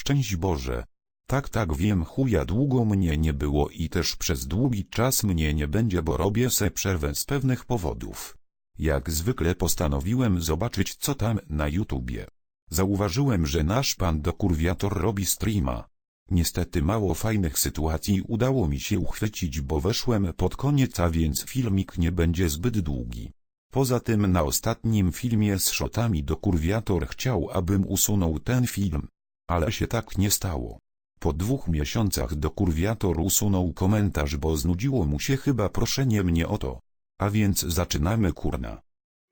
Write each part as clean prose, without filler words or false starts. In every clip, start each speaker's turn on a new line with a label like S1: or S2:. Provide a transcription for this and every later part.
S1: Szczęść Boże. Tak wiem, chuja, długo mnie nie było i też przez długi czas mnie nie będzie, bo robię se przerwę z pewnych powodów. Jak zwykle postanowiłem zobaczyć, co tam na YouTubie. Zauważyłem, że nasz pan dokurwiator robi streama. Niestety mało fajnych sytuacji udało mi się uchwycić, bo weszłem pod koniec, a więc filmik nie będzie zbyt długi. Poza tym na ostatnim filmie z shotami dokurwiator chciał, abym usunął ten film. Ale się tak nie stało. Po 2 miesiącach dokurwiator usunął komentarz, bo znudziło mu się chyba proszenie mnie o to. A więc zaczynamy, kurna.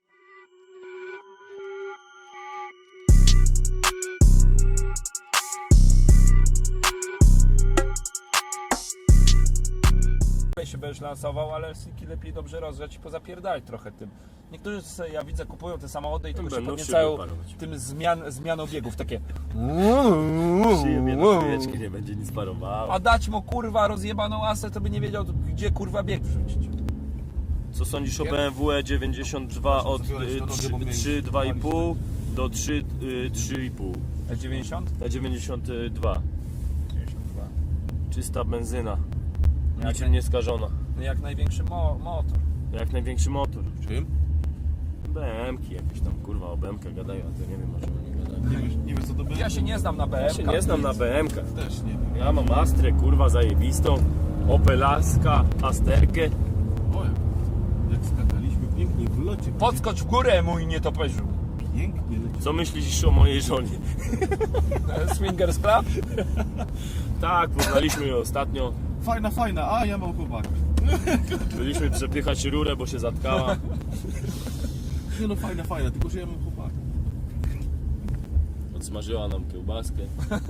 S2: się będziesz lansował, ale Siki lepiej dobrze rozgrzać i pozapierdalać trochę tym. Niektórzy sobie, ja widzę, kupują te samochody i tylko się podniecają tym zmianą biegów, takie
S3: Przyjemnie na chwileczkę, nie będzie nic parowało.
S2: a dać mu kurwa rozjebaną asę, to by nie wiedział, gdzie kurwa bieg wrzucić.
S3: Co sądzisz o BMW E92 od 3,2,5 do 3,5?
S2: E90?
S3: E92.
S2: 92.
S3: Czysta benzyna.
S2: Jak
S3: Niczym nieskażona.
S2: No jak największy motor.
S3: Jak największy motor.
S4: Czym?
S3: BM-ki jakieś tam, kurwa, o BM-kach gadają, a to nie wiem, o czym oni gadają.
S4: Nie wiesz co to będzie?
S2: Ja się nie znam na BM.
S3: Ja się nie znam na BM-kach.
S4: Też nie wiem.
S3: Ja mam Astrę, kurwa, zajebistą. Opelaska, Asterkę.
S4: O, jak skakaliśmy pięknie w locie.
S2: Podskocz w górę, mój nietoperzu.
S4: Pięknie leci.
S3: Co myślisz o mojej żonie?
S2: Swingers Club?
S3: Tak, poznaliśmy ją ostatnio.
S4: Fajna, a ja mam chłopaka.
S3: Byliśmy przepychać rurę, bo się zatkała.
S4: Nie no, fajna, tylko że ja mam chłopaka.
S3: Odsmażyła nam kiełbaskę.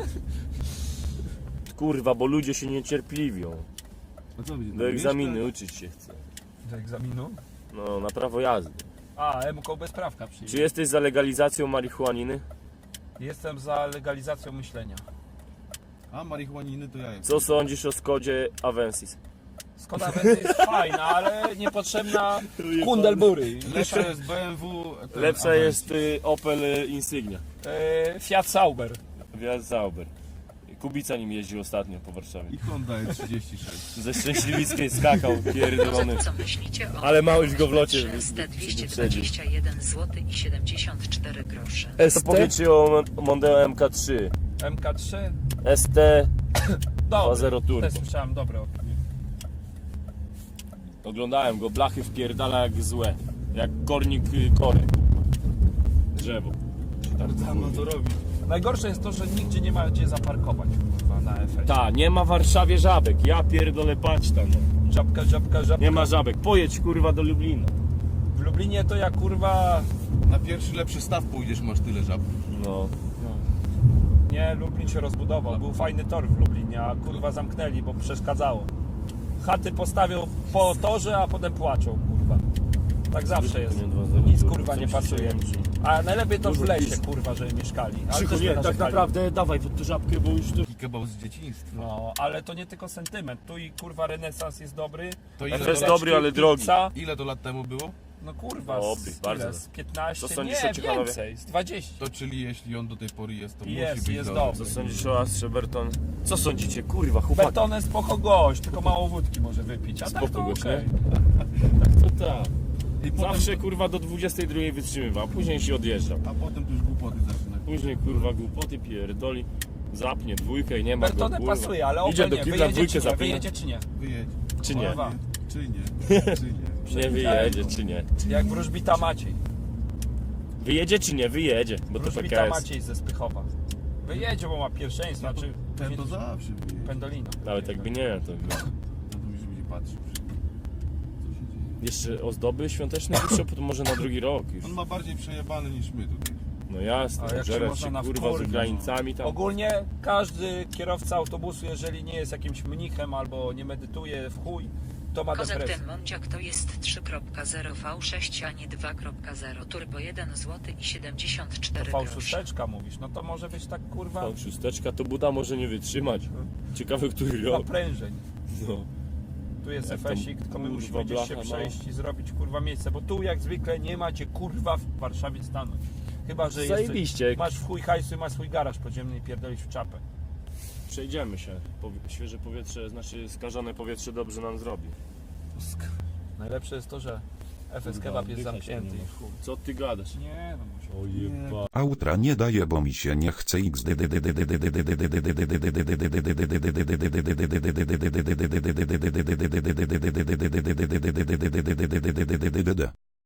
S3: Kurwa, bo ludzie się niecierpliwią.
S4: A co będzie?
S3: Do egzaminy uczyć się chce.
S2: Do egzaminu?
S3: No, na prawo jazdy.
S2: A, MKO bezprawka przyjdzie.
S3: Czy jesteś za legalizacją marihuaniny?
S2: Jestem za legalizacją myślenia.
S4: A marihuaniny to ja jestem.
S3: Co sądzisz o Skodzie Avensis?
S2: Skoda Avensis jest fajna, ale niepotrzebna Kundelbury.
S4: Lepsza jest BMW.
S3: Lepsza jest Opel Insignia.
S2: Fiat Sauber.
S3: Wjazd Zauber. Kubica nim jeździł ostatnio po Warszawie.
S4: I Honda E36.
S3: Ze Szczęśliwickiej skakał, pierdolony.
S5: Co myślicie o
S3: Ale małyś go w locie
S5: ST
S3: wyprzedził.
S5: 221 zł i 74 grosze.
S3: Co powiecie o Mondeo MK3?
S2: MK3.
S3: ST 2.0 Turbo.
S2: Też słyszałem dobre opinie.
S3: Oglądałem go, blachy wpierdala jak złe. Jak kornik korek. Drzewo.
S4: Tam to robi.
S2: Najgorsze jest to, że nigdzie nie ma gdzie zaparkować kurwa, na efekcie.
S3: Ta, nie ma w Warszawie żabek. Ja pierdolę, patrz tam. No.
S2: Żabka.
S3: Nie ma żabek. Pojedź kurwa do Lublina.
S2: W Lublinie to ja kurwa...
S4: Na pierwszy lepszy staw pójdziesz, masz tyle żab.
S3: No.
S2: Nie, Lublin się rozbudował. Był fajny tor w Lublinie, a kurwa zamknęli, bo przeszkadzało. Chaty postawią po torze, a potem płaczą kurwa. Tak zawsze jest. Nic kurwa nie pasuje. A najlepiej to w lesie kurwa, żeby mieszkali. Ale
S3: Krzychu,
S2: też
S3: nie, tak
S2: narzekali.
S3: naprawdę dawaj pod tę żabkę, bo już tu...
S4: I kebab z dzieciństwa.
S2: No, ale to nie tylko sentyment. Tu i kurwa renesans jest dobry.
S4: To
S3: F
S4: ile
S3: jest
S4: to,
S3: dobry, ale drogi.
S2: Pizza.
S4: ile to lat temu było?
S2: No kurwa,
S3: Dobry,
S2: z,
S3: bardzo.
S2: ile? Z 15,
S3: Co sądzisz
S2: nie,
S3: o Ciechanowie?
S2: więcej, z 20.
S4: To czyli jeśli on do tej pory jest, to
S2: Jest,
S4: musi być
S2: jest
S4: dobry.
S2: dobry.
S3: Co sądzisz o Astrze Berton? Co sądzicie, kurwa, chłopaki?
S2: Betonę spoko gość, tylko mało wódki może wypić, a tak
S3: Spoko
S2: to
S3: gość,
S2: okej.
S3: To tak.
S4: I potem,
S3: Zawsze kurwa do 22 wytrzymywał, później się odjeżdżał.
S4: a potem to już głupoty zaczyna.
S3: Później kurwa głupoty pierdoli, zapnie dwójkę i nie ma go,
S2: Betonę
S3: kurwa.
S2: pasuje, ale
S3: Idzie do
S2: nie,
S3: kibla,
S2: wyjedzie
S3: dwójkę
S2: czy nie,
S3: zapina.
S2: wyjedzie czy nie?
S4: Wyjedź.
S3: Czy nie?
S2: Kurwa.
S4: Czy nie? Czy nie?
S3: Nie wyjedzie, czy nie?
S2: Jak wróżbita Maciej.
S3: Wyjedzie czy nie? Wyjedzie, bo to
S2: Wróżbita
S3: PKS.
S2: Maciej ze Spychowa. Wyjedzie, bo ma pierwszeństwo, znaczy
S4: Ten to zawsze wyjedzie.
S2: Pendolino.
S3: Nawet jakby nie, to
S4: No to już będzie patrzył. Co się dzieje?
S3: jeszcze ozdoby świąteczne jeszcze, to może na drugi rok już.
S4: On ma bardziej przejebane niż my tutaj.
S3: No jasne,
S2: A jak się
S3: żerać
S2: można
S3: się
S2: na
S3: kurwa z
S2: wkurwić,
S3: Ukraińcami tam.
S2: Ogólnie każdy kierowca autobusu, jeżeli nie jest jakimś mnichem albo nie medytuje w chuj, to ma
S5: Kozak
S2: depresję.
S5: ten Monciak to jest 3.0 V6, a nie 2.0 Turbo 1 zł i 74 grosze.
S2: V6 mówisz, no to może być tak kurwa
S3: Tą szósteczka to Buda może nie wytrzymać. Ciekawe, który rok.
S2: naprężeń.
S3: No.
S2: Tu jest
S3: Jak tam,
S2: efesik, tylko my
S3: kurwa,
S2: musimy gdzieś się
S3: blacha, no.
S2: przejść i zrobić kurwa miejsce, bo tu jak zwykle nie macie kurwa w Warszawie stanąć. Chyba, że
S3: Zajebiście.
S2: masz w chuj hajsu i masz swój garaż podziemny i pierdolisz w czapę.
S3: Przejdziemy się. Świeże powietrze, znaczy skażone powietrze dobrze nam zrobi.
S2: Najlepsze jest to, że FS Kebab jest
S3: Oddychać
S2: zamknięty.
S3: nie
S2: i
S3: ma.
S2: chuj.
S3: Co ty gadasz?
S4: Nie, no muszę.
S3: O jeba.
S1: Outra nie daje, bo mi się nie chce XD.